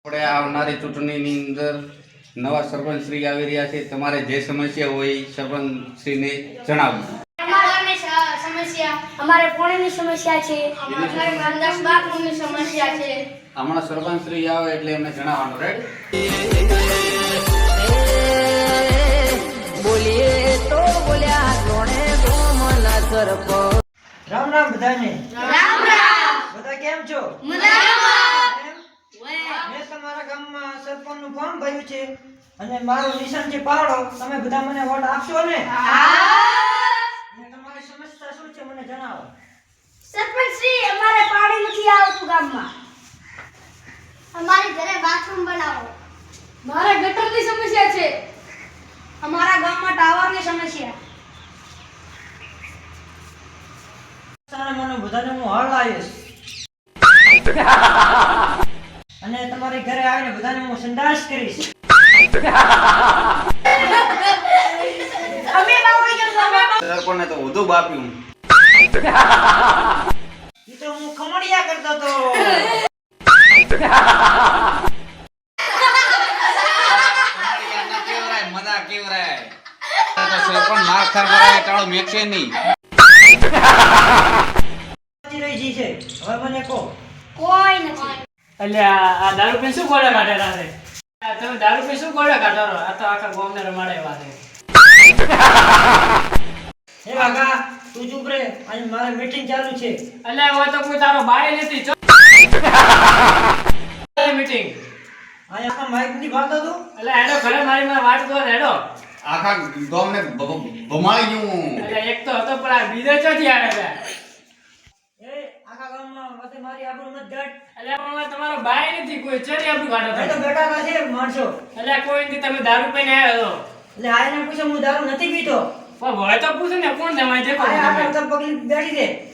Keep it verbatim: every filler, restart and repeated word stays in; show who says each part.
Speaker 1: આપણે આવનારી ચૂંટણીની અંદર નવા સરપંચ શ્રી આવી રહ્યા છે. તમારે જે સમસ્યા હોય સરપંચ શ્રીને જણાવવું.
Speaker 2: અમારે સમસ્યા અમારે પાણીની સમસ્યા છે, અમારે સંડાસ બાથરૂમની સમસ્યા છે.
Speaker 1: હમણાં સરપંચ શ્રી આવે એટલે એમને જણાવવાનું, રાઈટ?
Speaker 3: બોલીએ તો બોલ્યા કોણે ગોમના સરપંચ.
Speaker 4: રામ રામ બધાને.
Speaker 2: રામ રામ.
Speaker 4: બધા કેમ છો?
Speaker 2: મજામાં.
Speaker 4: એમ? મેં તમારા ગામમાં સરપંચનું ફોર્મ ભર્યું છે અને મારું નિશાન છે પાવડો. તમે બધા મને વોટ આપશો ને? અને તમારી સમસ્યા શું છે મને જણાવો.
Speaker 2: સરપંચ શ્રી, અમારે પાણી નથી આવતું ગામમાં. અમારી ઘરે બાથરૂમ બનાવો. મારે ગટરની સમસ્યા છે. અમારા ગામમાં ટાવરની સમસ્યા.
Speaker 4: સારા મને બધાને હું હળ લાવીશ અને તમારી ઘરે આવીને બધાને હું સંડાસ કરીશ.
Speaker 2: અમે બાવળી કરશું, અમે
Speaker 1: સરપંચને તો વધુ બાપ્યું.
Speaker 4: ઈ તો હું ખમડિયા કરતો તો.
Speaker 1: મજા કેવરાય સરપંચ માર ખાર કરાય ટાળો મેકશે નહીં.
Speaker 4: રહી જી છે. હવે મને કહો.
Speaker 2: કોઈ નથી.
Speaker 5: એટલે આ આ દારૂ પી શું ગોળા કાઢેલા છે? આ તમે દારૂ પી શું ગોળા કાઢો છો? આ તો આખા ગામને રમાડેવા છે.
Speaker 4: હે કાકા તું ચૂપ રે, આજે મારે મીટિંગ ચાલુ છે.
Speaker 5: એટલે હવે તો કોઈ તારો બાય નથી. મીટિંગ
Speaker 4: આ આખા માઈક ની વાત હતું.
Speaker 5: એટલે હેડો ઘરે મારી માં વાત કરો હેડો.
Speaker 1: આખા ગામને ભમાઈ ગયું.
Speaker 5: એટલે એક તો હતો પણ આ બીજો ચોથી આવે છે.
Speaker 4: એ આખા ગામમાં વચ્ચે મારી આબરૂ મત ઘટ.
Speaker 5: એટલે પણ તમારો બાય નથી કોઈ ચરી આપણું કાઢો
Speaker 4: એ તો
Speaker 5: તમે.
Speaker 4: બેઠા છે માણસો.
Speaker 5: એટલે કોઈ નથી, તમે દારૂ પીને આવ્યો છો.
Speaker 4: એટલે આઈને પૂછો હું દારૂ નથી પીતો.
Speaker 5: પણ હોય તો પૂછો ને કોણ તમારે દેખો
Speaker 4: આ
Speaker 5: તમે.
Speaker 4: આખા તો પગલી બેઠી છે.